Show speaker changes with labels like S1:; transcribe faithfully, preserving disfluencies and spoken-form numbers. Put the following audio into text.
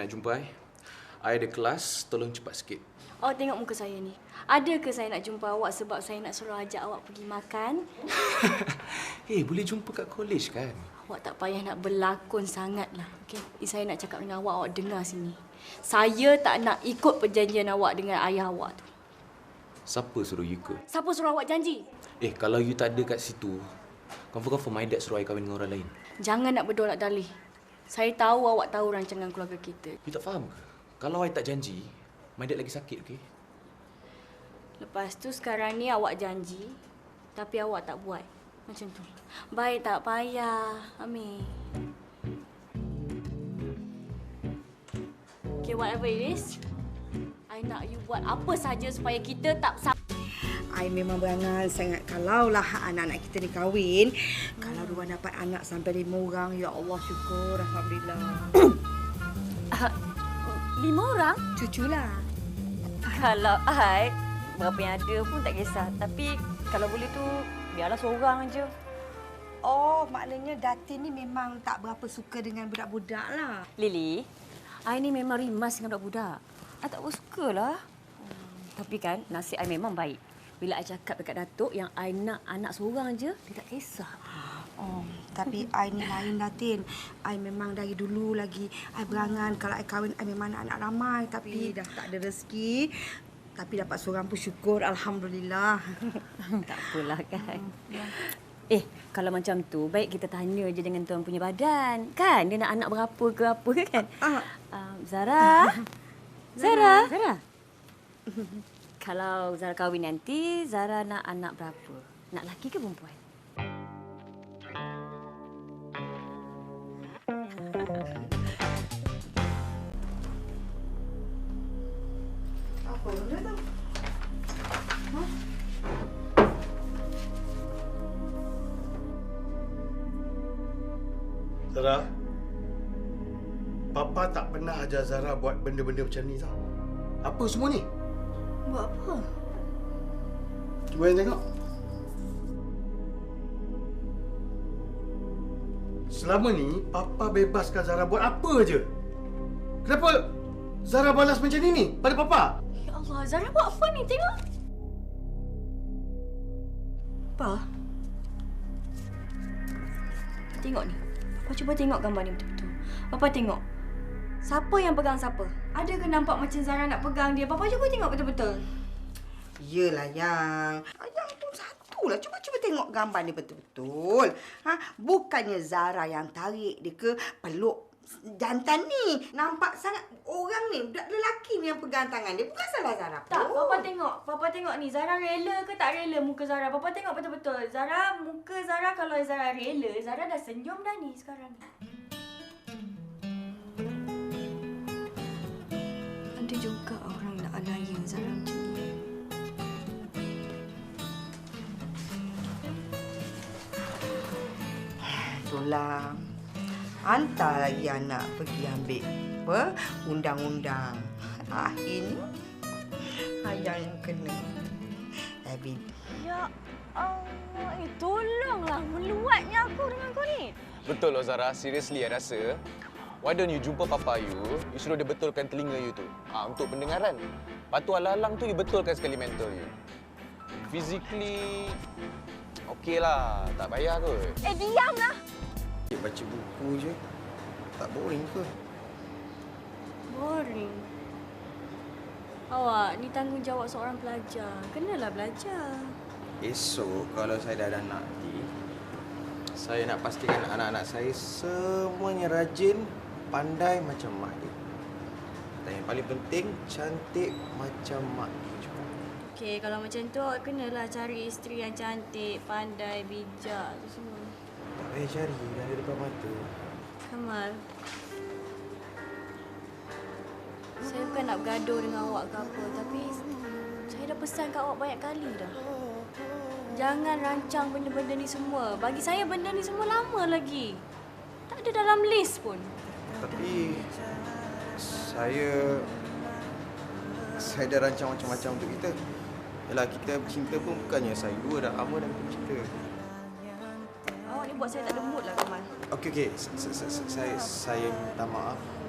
S1: nak jumpa I. I ada kelas, tolong cepat sikit.
S2: Awak tengok muka saya ni. Ada ke saya nak jumpa awak sebab saya nak suruh ajak awak pergi makan?
S1: Eh, hey, boleh jumpa kat college kan?
S2: Awak tak payah nak berlakon sangatlah. Okey, saya nak cakap dengan awak, awak dengar sini. Saya tak nak ikut perjanjian awak dengan ayah awak tu.
S1: Siapa suruh you ikut?
S2: Siapa suruh awak janji?
S1: Eh, kalau you tak ada kat situ, confirm-confirm my dad suruh I kahwin dengan orang lain.
S2: Jangan nak berdolak dalih. Saya tahu awak tahu rancangan keluarga kita.
S1: You tak faham ke? Kalau I tak janji, my dad lagi sakit, okey?
S2: Lepas tu sekarang ni awak janji, tapi awak tak buat. Macam tu. Baik, tak payah. Amir. Okay, whatever it is, I nak you buat apa saja supaya kita tak sama.
S3: I memang berangan sangat kalaulah anak-anak kita ni kahwin. Hmm. Kalau diorang dapat anak sampai lima orang, ya Allah syukur, alhamdulillah.
S2: uh, lima orang?
S3: Cuculah.
S2: Kalau I, berapa yang ada pun tak kisah. Tapi kalau boleh tu, biarlah seorang aja.
S3: Oh, maknanya Datin ni memang tak berapa suka dengan budak-budak lah.
S2: Lily, I ni memang rimas dengan budak-budak. I tak berapa sukalah. Hmm. Tapi kan, nasib I memang baik. Bila I cakap dekat Datuk yang I nak anak seorang je, dia tak kisah.
S3: Oh, tapi I ni lain Datin. I memang dari dulu lagi I berangan kalau I kahwin I memang nak anak ramai, tapi dah tak ada rezeki. Tapi dapat seorang pun syukur, alhamdulillah.
S2: Tak apalah kan. Eh, kalau macam tu baik kita tanya je dengan tuan punya badan. Kan dia nak anak berapa ke apa kan?
S3: Ah.
S2: Um, Zara. Zara. Zara. Kalau Zara kahwin nanti, Zara nak anak berapa? Nak lelaki ke perempuan?
S3: Apa benda tu? Ha?
S4: Zara, Papa tak pernah ajar Zara buat benda-benda macam ni tau. Apa semua ni?
S3: Buat apa?
S4: Cuba yang tengok. Selama ni, Papa bebaskan Zara buat apa je. Kenapa Zara balas macam ni ni pada Papa?
S2: Ya Allah, Zara buat apa ni? Tengok. Pa. Tengok ni. Papa cuba tengok gambar ni betul-betul. Papa tengok. Siapa yang pegang siapa? Ada ke nampak macam Zara nak pegang dia? Papa cuba tengok betul-betul.
S3: Yelah yang. Yang tu satulah. Cuba-cuba tengok gambar ni betul-betul. Ha? Bukannya Zara yang tarik dia ke peluk jantan ni. Nampak sangat orang ni, budak lelaki ni yang pegang tangan dia. Bukan salah Zara pun.
S2: Tak, Papa tengok. Papa tengok ni. Zara rela ke tak rela muka Zara? Papa tengok betul-betul. Zara, muka Zara kalau Zara rela, Zara dah senyum dah ni sekarang ni. Ada juga orang nak anaya Zara macam ni.
S3: Itulah. Hantar lagi anak pergi ambil apa? Undang-undang. Akhirnya ayah yang kena. Tapi
S2: Ya Allah, eh, tolonglah meluatnya aku dengan kau ni.
S5: Betul loh Zara, seriously I rasa why don't you jumpa papa you, you suruh dia betulkan telinga you tu. Ah, untuk pendengaran. Lepas tu alang-alang tu you betulkan sekali mental you. Physically okey lah, tak payah kot.
S2: Eh, diamlah.
S4: Baca buku je. Tak boring ke?
S2: Boring. Awak, ni tanggungjawab seorang pelajar. Kenalah belajar.
S6: Esok kalau saya dah ada anak nanti, saya nak pastikan anak-anak saya semuanya rajin, pandai macam mak dia. Dan yang paling penting, cantik macam mak dia juga.
S2: Okey, kalau macam tu awak kenalah cari isteri yang cantik, pandai, bijak tu semua.
S6: Tak payah cari, dah ada depan mata.
S2: Kamal. Saya bukan nak bergaduh dengan awak ke apa, tapi saya dah pesan kat awak banyak kali dah. Jangan rancang benda-benda ni semua. Bagi saya benda ni semua lama lagi. Tak ada dalam list pun.
S6: Tapi saya saya dah rancang macam-macam untuk kita. Yalah, kita bercinta pun bukannya saya dua dah lama dah kita bercinta.
S2: Awak ni buat saya tak ada mood lah, Kamal.
S6: Okey okey, saya saya minta maaf.